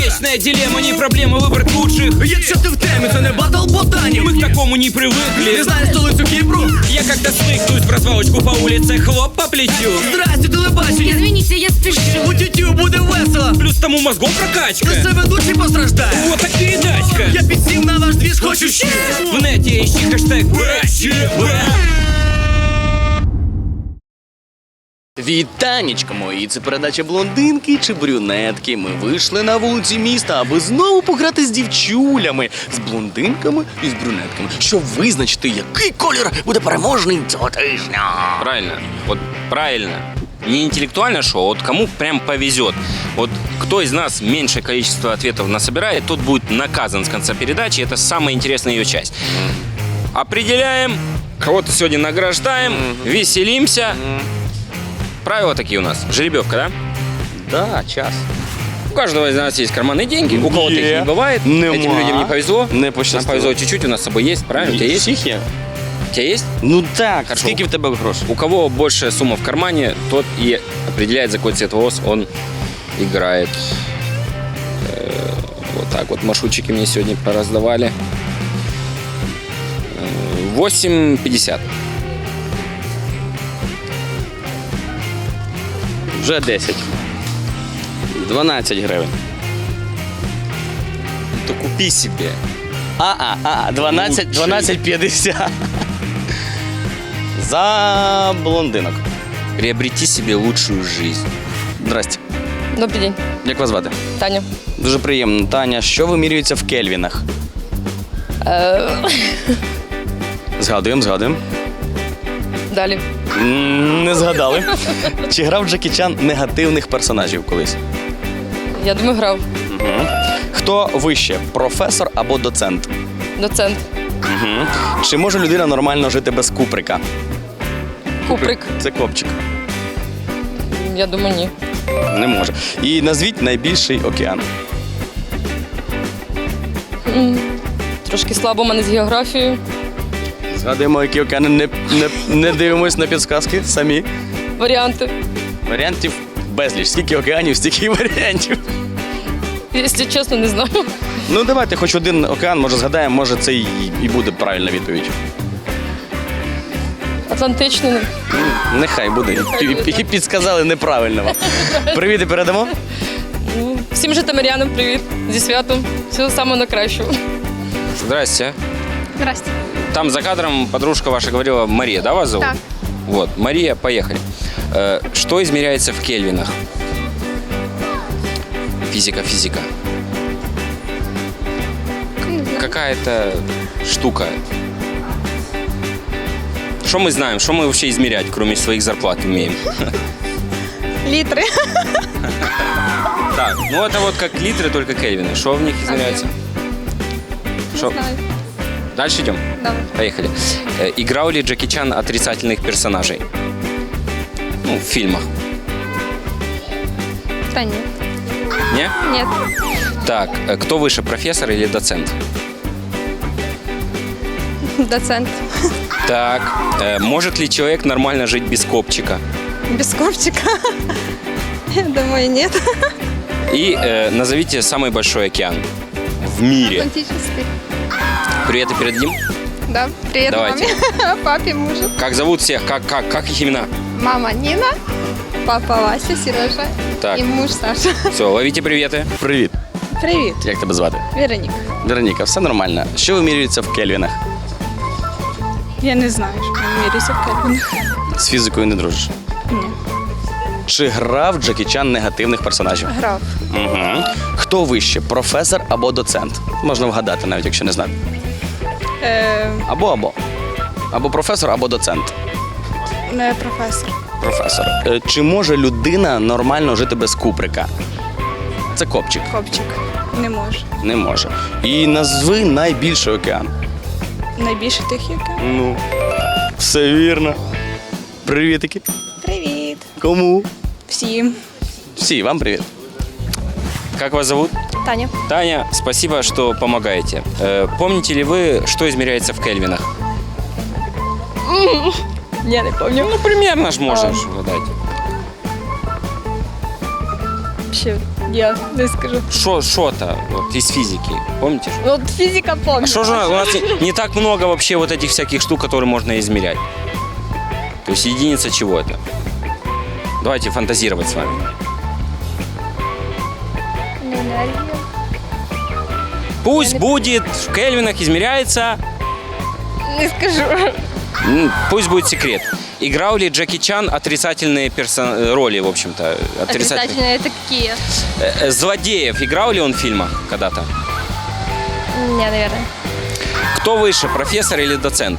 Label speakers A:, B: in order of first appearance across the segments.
A: Вечная дилемма, не проблема выбрать лучших.
B: Якщо ти в темі, це не батл ботанів.
A: Мы к такому не привыкли.
B: Не знаєш столицю Кіпру?
A: Я как-то смыкнусь в развалочку по улице, хлоп по плечу.
B: Здрасте, телебачення.
C: Извините, я спешу.
B: У тютю буде весело.
A: Плюс тому мозгом прокачка.
B: Лише ведучий постраждає.
A: Вот так передачка.
B: Я підсів на ваш двіж, хочу ще.
A: В нете ищи хэштег БЧБ.
D: Вітанечко мої, це передача блондинки чи брюнетки. Ми вийшли на вулиці міста, аби знову пограти з дівчулями, з блондинками і з брюнетками, щоб визначити, який колір буде переможний цього тижня.
E: Правильно, вот правильно. Не интеллектуальное шоу, вот кому прям повезет. Вот кто из нас меньшее количество ответов насобирает, тот будет наказан с конца передачи. Это самая интересная ее часть. Определяем, кого-то сегодня награждаем, веселимся. Правила такие у нас. Жеребьевка, да?
D: Да, час.
E: У каждого из нас есть карманные деньги, у кого-то их не бывает.
D: Нема.
E: Этим людям не повезло.
D: Не
E: Нам
D: пощастило.
E: повезло чуть-чуть, у нас с собой есть, правильно? У тебя есть?
D: Всіх є?
E: У тебя есть?
D: Ну так,
E: Хорошо.
D: скільки в тебе грошей?
E: У кого большая сумма в кармане, тот и определяет, за какой цвет волос он играет. Вот так вот маршрутчики мне сегодня пораздавали. 8,50.
D: Вже 10. 12 гривень.
E: То купи себе.
D: 12,50. За блондинок.
E: Приобрети себе лучшую жизнь.
D: Здрасте.
C: Добрий день,
D: Як вас звати?
C: Таня.
D: Дуже приємно. Таня, що вимірюється в кельвінах? Згадуємо.
C: Далі.
D: Не згадали. Чи грав Джекі Чан негативних персонажів колись?
C: Я думаю, грав.
D: Хто вище, професор або доцент?
C: Доцент.
D: Чи може людина нормально жити без куприка?
C: Куприк.
D: Це копчик.
C: Я думаю, ні.
D: Не може. І назвіть найбільший океан.
C: Трошки слабо в мене з географією.
D: Згадуємо, які океани, не дивимось на підсказки самі.
C: Варіанти.
D: Варіантів безліч. Скільки океанів, стільки варіантів.
C: Якщо чесно, не знаю.
D: Ну, давайте хоч один океан, може згадаємо, може це і буде правильна відповідь.
C: Атлантичний.
D: Нехай буде. І підсказали неправильно вам. Привіт і передамо.
C: Всім житомирянам привіт. Зі святом. Всього самого найкращого.
E: Здрасте.
F: Здрасте.
E: Там за кадром подружка ваша говорила, Мария, да, вас зовут?
F: Так.
E: Вот, Мария, поехали. Что измеряется в кельвинах? Физика. Какая-то штука. Что мы знаем? Что мы вообще измерять, кроме своих зарплат, умеем?
F: Литры.
E: Так, ну это вот как литры, только кельвины. Что в них измеряется? Шо?
F: знаю.
E: Дальше идем?
F: Давай.
E: Поехали. Играл ли Джеки Чан отрицательных персонажей? Ну, в фильмах.
F: Да нет.
E: Не?
F: Нет.
E: Так, кто выше, профессор или доцент?
F: Доцент.
E: Так, может ли человек нормально жить без копчика?
F: Без копчика. Я думаю, нет.
E: И назовите самый большой океан в мире.
F: Атлантический.
E: Приветы передадим?
F: Да. Привет
E: Давайте.
F: маме, папе, мужу.
E: Как зовут всех? Как их имена?
F: Мама Нина, папа Вася, Сережа
E: Так.
F: и муж Саша.
E: Все, ловите приветы.
D: Привіт.
F: Привет.
D: Як тебе звати?
F: Вероника.
D: Вероніка, все нормально. Що вимірюється в кельвінах?
F: Я не знаю, що мірюся в Кельвінах.
D: З фізикою не дружиш?
F: Ні.
D: Чи грав Джекі Чан негативних персонажів?
F: Грав.
D: Угу. Хто вище, професор або доцент? Можна вгадати, навіть якщо не знати. Або. Або професор, або доцент.
F: Не професор.
D: Професор. Чи може людина нормально жити без куприка? Це копчик.
F: Копчик. Не можу.
D: Не може. І назви найбільший океан.
F: Найбільше тих яка.
D: Ну, все вірно. Привітики.
F: Привіт.
D: Кому?
F: Всім.
D: Всі, вам привіт.
E: Как вас зовут?
F: Таня.
E: Таня, спасибо, что помогаете. Помните ли вы, что измеряется в кельвинах?
C: Я не пам'ятаю.
E: Ну, примерно ж можно угадать.
C: Ще Ні, не скажу.
E: Что-то вот, из физики, помните?
C: Ну, от фізика
E: А
C: помню.
E: что же у нас не так много вообще вот этих всяких штук, которые можно измерять? То есть единица чего это? Давайте фантазировать с вами.
C: Енергія.
E: Пусть будет в кельвинах измеряется,
C: Не скажу.
E: пусть будет секрет. Играл ли Джеки Чан отрицательные роли, в общем-то?
C: Отрицательные это какие?
E: Злодеев играл ли он в фильмах когда-то?
C: Не, наверное.
E: Кто выше, профессор или доцент?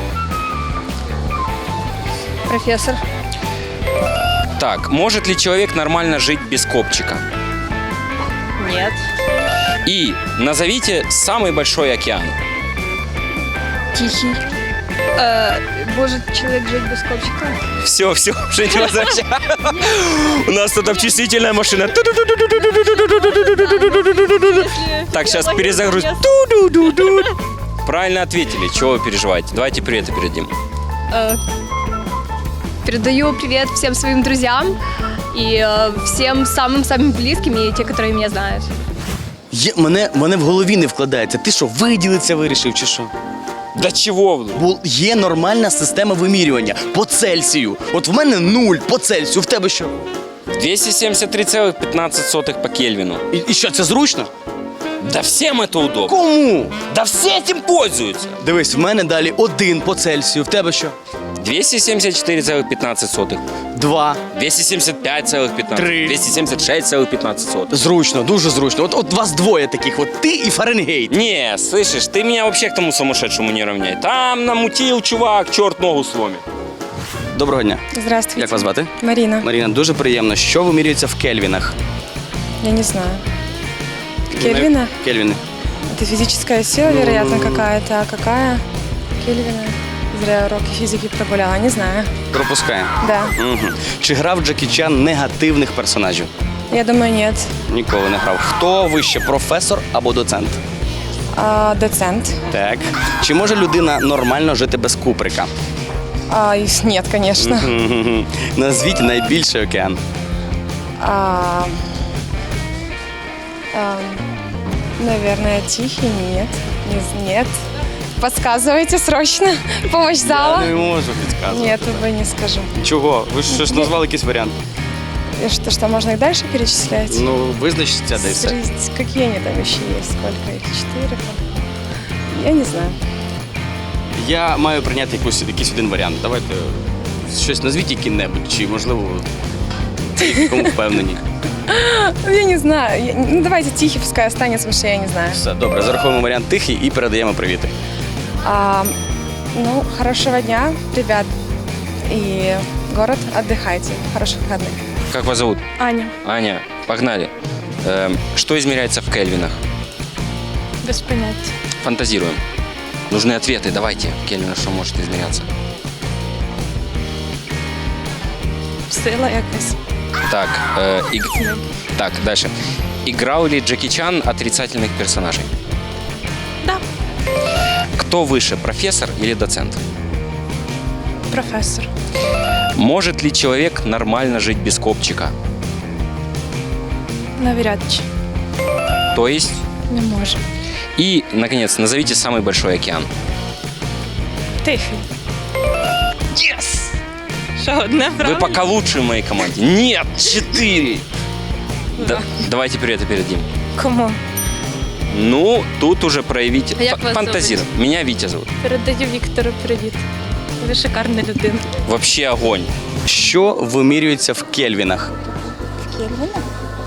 C: Профессор.
E: Так, может ли человек нормально жить без копчика?
C: Нет.
E: И назовите самый большой океан.
C: Тихий. Может человек жить без копчика?
E: Все, уже не возвращаем. У нас тут обчислительная машина. Так, сейчас перезагруз. Правильно ответили. Чего вы переживаете? Давайте приветы передадим.
C: Передаю привет всем своим друзьям и всем самым-самым близким и те, которые меня знают.
D: Мене в голові не вкладається. Ти що, виділитися вирішив чи що?
E: Да чего вы?
D: Бо є нормальна система вимірювання по Цельсію. От в мене 0 по Цельсію, в тебе що?
E: 273,15 по Кельвину.
D: І що, це зручно?
E: Да всем это удобно.
D: Кому?
E: Да все этим пользуются.
D: Дивись, в мене далі 1 по Цельсію, в тебе що?
E: 274,15.
D: 2.
E: 275,15.
D: Три.
E: 276,15.
D: Зручно, дуже зручно. От вас двоє таких, от ти і Фаренгейт.
E: Не, слышишь, ты меня вообще к тому сумасшедшему не равняй. Там намутил чувак, черт ногу сломит.
D: Доброго дня.
G: Здравствуйте.
D: Як вас звати?
G: Марина.
D: Маріна, дуже приємно. Що вимірюється в кельвінах?
G: Я не знаю. Кельвина?
D: Кельвіни.
G: Это физическая сила, вероятно, какая-то. А какая? Кельвина. Зря уроки физики прогуляла, не знаю.
D: Пропускаємо.
G: Да.
D: Угу. Чи грав Джекі Чан негативних персонажів?
G: Я думаю, нет.
D: Ніколи не грав. Хто вище, професор або доцент?
G: Доцент.
D: Так. Чи може людина нормально жити без куприка?
G: Нет, конечно.
D: Мгм. Назвіть найбільший океан.
G: Наверное, Тихий? Нет. Нет. Подсказывайте срочно. Помощь зала.
D: Я не можу підказувати.
G: Нет, увы, не скажу.
D: Чого? Ви ж назвали якийсь варіант.
G: И что, можно их дальше перечислять?
D: Ну, визначиться десь.
G: Какие они там еще есть? Сколько их? 4? Я не знаю.
D: Я маю прийняти якийсь один варіант. Давайте щось назвіть який-небудь, чи можливо кому впевнені.
G: Я не знаю. Давайте Тихий, пускай останется, потому что я не знаю.
D: Все, добре, зараховуємо варіант тихий і передаємо привіти.
G: Хорошего дня, ребят. И город, отдыхайте. Хороших выходных.
E: Как вас зовут?
F: Аня.
E: Аня, погнали. Что измеряется в кельвинах?
F: Без поняття.
E: Фантазируем. Нужны ответы, давайте. Кельвина, что может измеряться?
F: Сила якась.
E: Так, так, дальше. Играл ли Джеки Чан отрицательных персонажей?
F: Да.
E: Кто выше, профессор или доцент?
F: Професор.
E: Может ли человек нормально жить без копчика?
F: Навряд чи.
E: То есть?
F: Не може.
E: И, наконец, назовите самый большой океан.
F: Тихий. Єс! Що, одне
E: Вы
F: правильно?
E: пока лучшие в моей команде. Нет, 4! Да, давайте привет передадим.
F: Кому?
E: Ну, тут уже проявите
C: А як вас
E: фантазировать. Меня Витя зовут.
F: Передаю Віктору привіт. Ви шикарна людина.
E: Вообще огонь.
D: Що вимірюється в кельвінах?
H: Кельвина?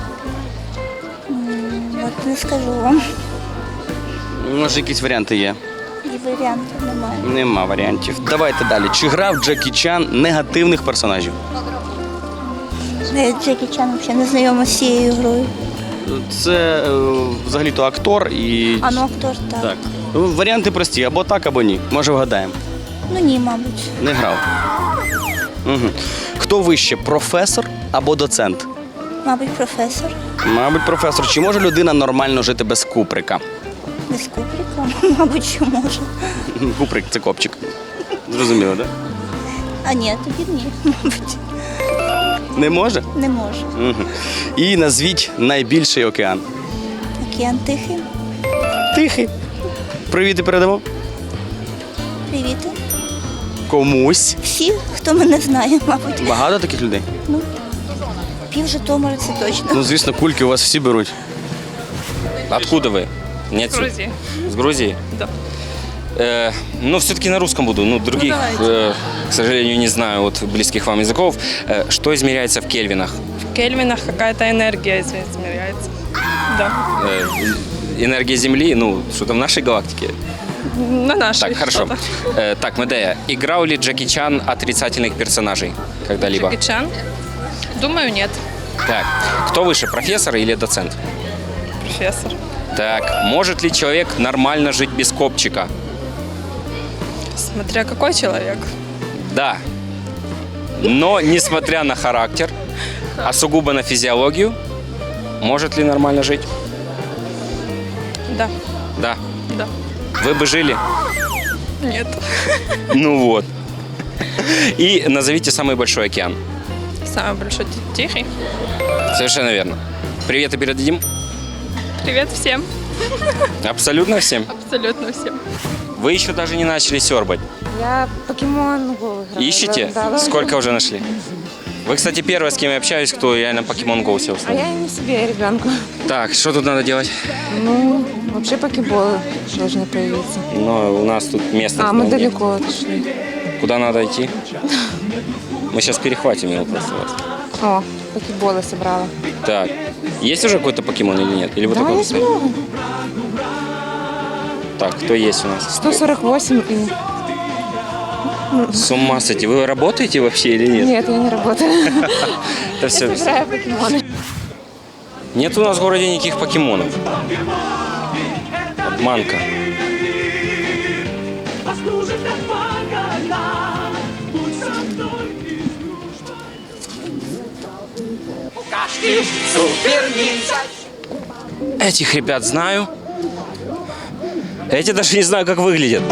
H: От не скажу вам.
D: Може, якісь варіанти є?
H: І варіантів немає.
D: Нема варіантів. Давайте далі. Чи грав Джекі Чан негативних персонажів?
H: Я з Джекі Чаном ще не знайома з цією грою.
D: Це взагалі-то актор і.
H: А ну актор, так.
D: Так. Варіанти прості, або так, або ні. Може, вгадаємо.
H: Ну ні, мабуть.
D: Не грав. Угу. Хто вище, професор або доцент?
H: Мабуть, професор.
D: Мабуть, професор. Чи може людина нормально жити без куприка?
H: Без куприка, мабуть, що може.
D: Куприк це копчик. Зрозуміло, так?
H: А ні, тоді ні, мабуть.
D: Не може?
H: Не можу.
D: Угу. І назвіть найбільший океан.
H: Океан Тихий.
D: Тихий. Привіти передамо.
H: Привіти.
D: Комусь.
H: Всі, хто мене знає, мабуть.
D: Багато таких людей?
H: Пів Житомира, це точно.
D: Ну, звісно, кульки у вас всі беруть.
E: Откуда вы? Не отсюда?
F: Грузии.
E: С Грузии?
F: Да.
E: Ну, все-таки на русском буду. Ну, других, к сожалению, не знаю, вот близких вам языков. Что измеряется в кельвинах?
F: В кельвинах какая-то энергия измеряется. Да.
E: Энергия Земли, ну, что-то в нашей галактике.
F: На нашей.
E: Так, хорошо.
F: что-то.
E: Так, Медея, играл ли Джеки Чан отрицательных персонажей когда-либо?
F: Джеки Чан? Думаю, нет.
E: Так, кто выше, профессор или доцент?
F: Профессор.
E: Так, может ли человек нормально жить без копчика?
F: Смотря какой человек.
E: Да. Но, несмотря на характер, а сугубо на физиологию, может ли нормально жить?
F: Да.
E: Да.
F: Да.
E: Вы бы жили?
F: Нет.
E: Ну вот. И назовите самый большой океан.
F: Самый большой Тихий.
E: Совершенно верно. Привет и передадим?
F: Привет всем.
E: Абсолютно всем.
F: Абсолютно всем.
E: Вы еще даже не начали сербать.
G: Я покемон Go играю.
E: Ищете?
G: Да.
E: Сколько уже нашли? Вы, кстати, первая, с кем я общаюсь, кто реально Pokemon Go сел.
G: А я и не себе, и ребенку.
E: Так, что тут надо делать?
G: Ну, вообще покеболы должны появиться.
E: Ну, у нас тут место.
G: А, мы далеко отошли.
E: Куда надо идти? Мы сейчас перехватим его просто. Вот.
G: О, покеболы собрала.
E: Так, есть уже какой-то покемон или нет? Или вы
G: Да,
E: такой
G: есть
E: поставили?
G: много.
E: Так, кто есть у нас?
G: 148 и...
E: С ума сойти. Вы работаете вообще или нет?
G: Нет, я не работаю.
E: Это все.
G: Я собираю покемоны.
E: Нет у нас в городе никаких покемонов. Обманка. Этих ребят знаю. Эти даже не знаю, как выглядят.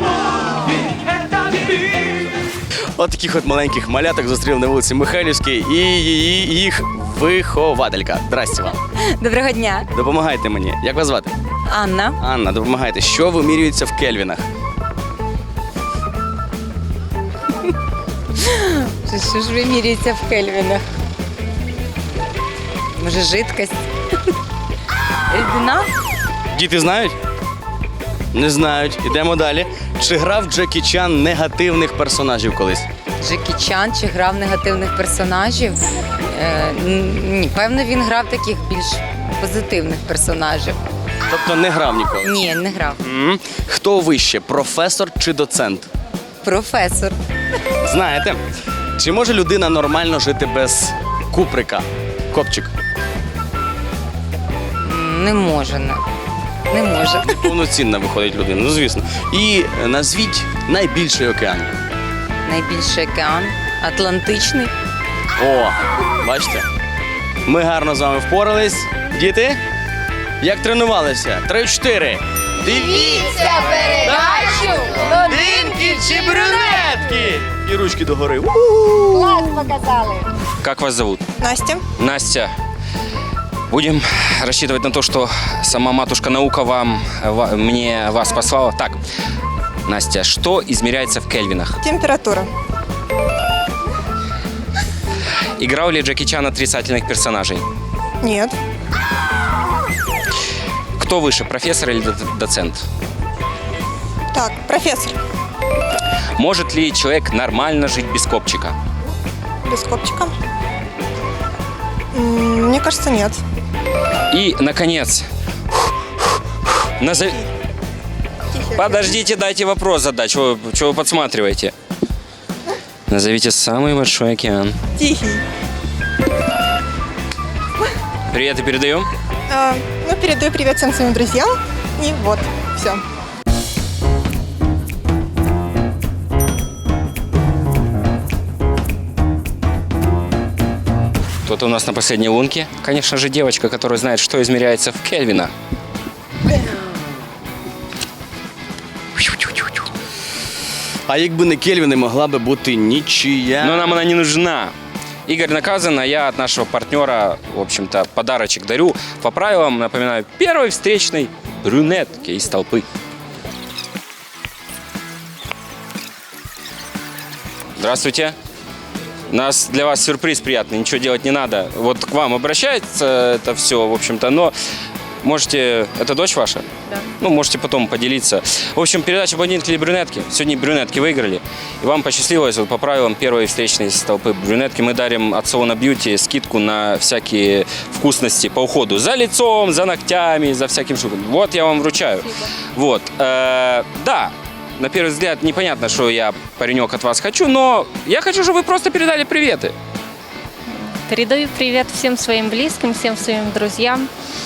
D: От таких от маленьких маляток зустрів на вулиці Михайлівській і їх вихователька. Здрасте вам.
I: Доброго дня,
D: Допомагайте мені. Як вас звати?
I: Анна.
D: Анна, допомагайте. Що вимірюється в кельвінах?
I: Що ж вимірюється в кельвінах? Може, жидкость? Рідина?
D: Діти знають? Не знають. Ідемо далі. Чи грав Джекі Чан негативних персонажів колись?
I: Джекі Чан чи грав негативних персонажів? Ні, певно, він грав таких більш позитивних персонажів.
D: Тобто не грав ніколи?
I: Ні, не грав.
D: Хто вище, професор чи доцент?
I: Професор.
D: Знаєте, чи може людина нормально жити без куприка? Копчик.
I: Не може. Не може.
D: Повноцінна виходить людина, ну звісно. І назвіть найбільший океан.
I: Найбільший океан. Атлантичний.
D: О, бачите? Ми гарно з вами впорались. Діти, як тренувалися? 3-4. Дивіться передачу «Блондинки чи брюнетки». І ручки догори.
H: Клас показали.
E: Как вас зовут?
G: Настя.
E: Настя. Будем рассчитывать на то, что сама матушка наука мне вас послала. Так, Настя, что измеряется в кельвинах?
G: Температура.
E: Играл ли Джеки Чан отрицательных персонажей?
G: Нет.
E: Кто выше, профессор или доцент?
G: Так, профессор.
E: Может ли человек нормально жить без копчика?
G: Без копчика. Мне кажется, нет.
E: И, наконец, Подождите, дайте вопрос задать. Чего вы подсматриваете? Назовите самый большой океан.
G: Тихий.
E: Привет и передаем.
G: Передаю привет всем своим друзьям. И вот, все.
E: Кто-то у нас на последней лунке. Конечно же, девочка, которая знает, что измеряется в кельвинах.
D: А якби не Кельвіни, могла би бути нічия.
E: Но нам она не нужна. Игорь наказан, а я от нашего партнера, в общем-то, подарочек дарю. По правилам, напоминаю, первой встречной брюнетке из толпы. Здравствуйте. У нас для вас сюрприз приятный, ничего делать не надо. Вот к вам обращается это все, в общем-то, но можете... Это дочь ваша?
G: Да.
E: Ну, можете потом поделиться. В общем, передача «Блондинки или брюнетки». Сегодня брюнетки выиграли. И вам посчастливилось, вот по правилам первой встречной из толпы брюнетки мы дарим от салона Beauty скидку на всякие вкусности по уходу. За лицом, за ногтями, за всяким штукам. Вот я вам вручаю.
G: Спасибо.
E: Вот. Да. На первый взгляд непонятно, что я, паренек, от вас хочу, но я хочу, чтобы вы просто передали приветы.
J: Передаю привет всем своим близким, всем своим друзьям.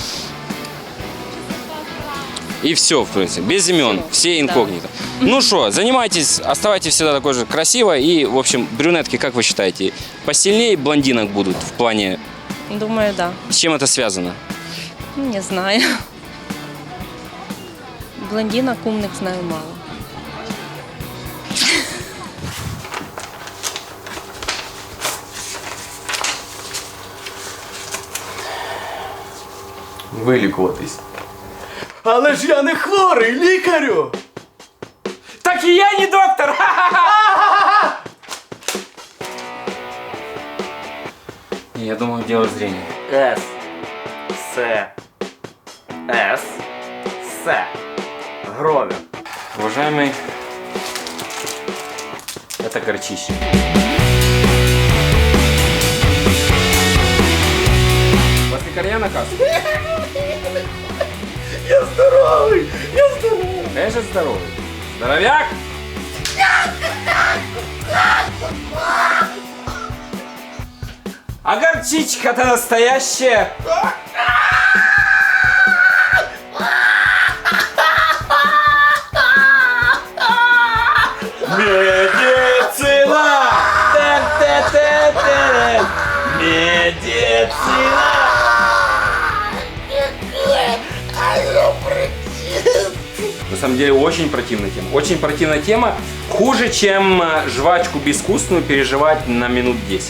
E: И все, в принципе, без имен, все инкогнито. Да. Ну что, занимайтесь, оставайтесь всегда такой же красивой. И, в общем, брюнетки, как вы считаете, посильнее блондинок будут в плане...
J: Думаю, да.
E: С чем это связано?
J: Не знаю. Блондинок умных знаю мало.
D: Вилікуватись. Але ж я не хворий, лікарю!
A: Так и я не доктор!
E: Я думаю, дело зрения.
B: С. Громер.
E: Уважаемый, это горчище. После корня наказ.
B: Я здоровий!
E: Конечно, здоровый. Здоровяк! А горчичка-то настоящая.
B: Медицина! Тен-тен-тен-тен! Медицина!
E: На самом деле очень противная тема. Очень противная тема. Хуже, чем жвачку безвкусную переживать на минут 10.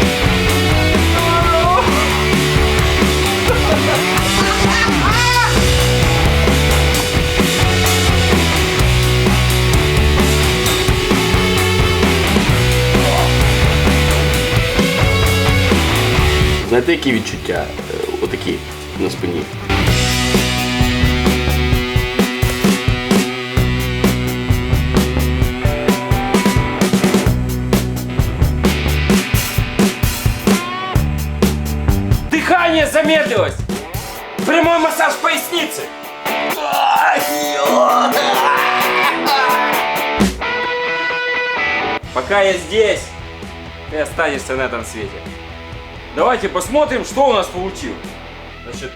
D: Знаєте, які відчуття отакі на спині?
A: Дыхание замедлилось! Прямой массаж поясницы!
E: Пока я здесь, ты останешься на этом свете. Давайте посмотрим, что у нас получилось. Значит,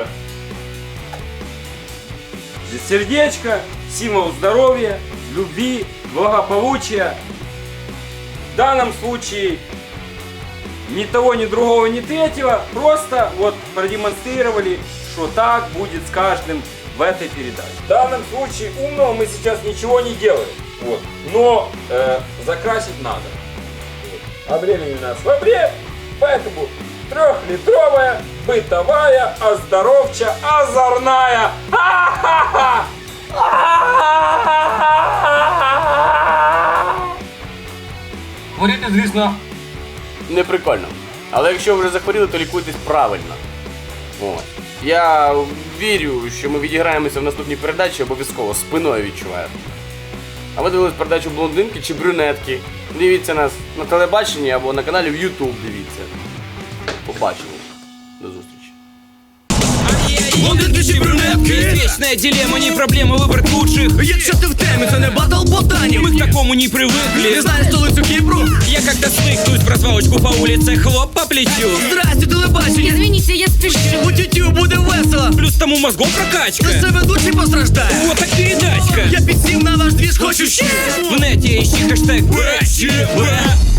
E: здесь сердечко, символ здоровья, любви, благополучия. В данном случае ни того, ни другого, ни третьего. Просто вот продемонстрировали, что так будет с каждым в этой передаче. В данном случае умного мы сейчас ничего не делаем. Вот. Но закрасить надо. Вот. А времени у нас в обрез, поэтому 3-литровая, бытовая, оздоровча, озорная. Ха-ха-ха!
A: Говорите, звісно,
D: Не прикольно. Але якщо ви вже захворіли, то лікуйтесь правильно. От. Я вірю, що ми відіграємося в наступній передачі обов'язково, спиною відчуваю. А ви дивились передачу «Блондинки чи брюнетки». Дивіться нас на телебаченні або на каналі в YouTube дивіться. Побачимо. До зустрічі.
A: блондинки чи брюнетки. Вечная дилемма, не проблема выбрать лучших.
B: Якщо ти в темі, це не батл ботанів.
A: Мы к такому не привыкли.
B: Не знаєш столицю Кіпру?
A: Я как-то свыкнусь в развалочку по улице, хлоп по плечу.
B: Здрасте, телебачення.
J: Извините, я спешу.
B: У тютю буде весело.
A: Плюс тому мозгом прокачка.
B: Лише ведучий постраждає.
A: Вот так передачка.
B: Я підсів на ваш двіж, хочу ще.
A: В нете ищи хэштег БЧБ.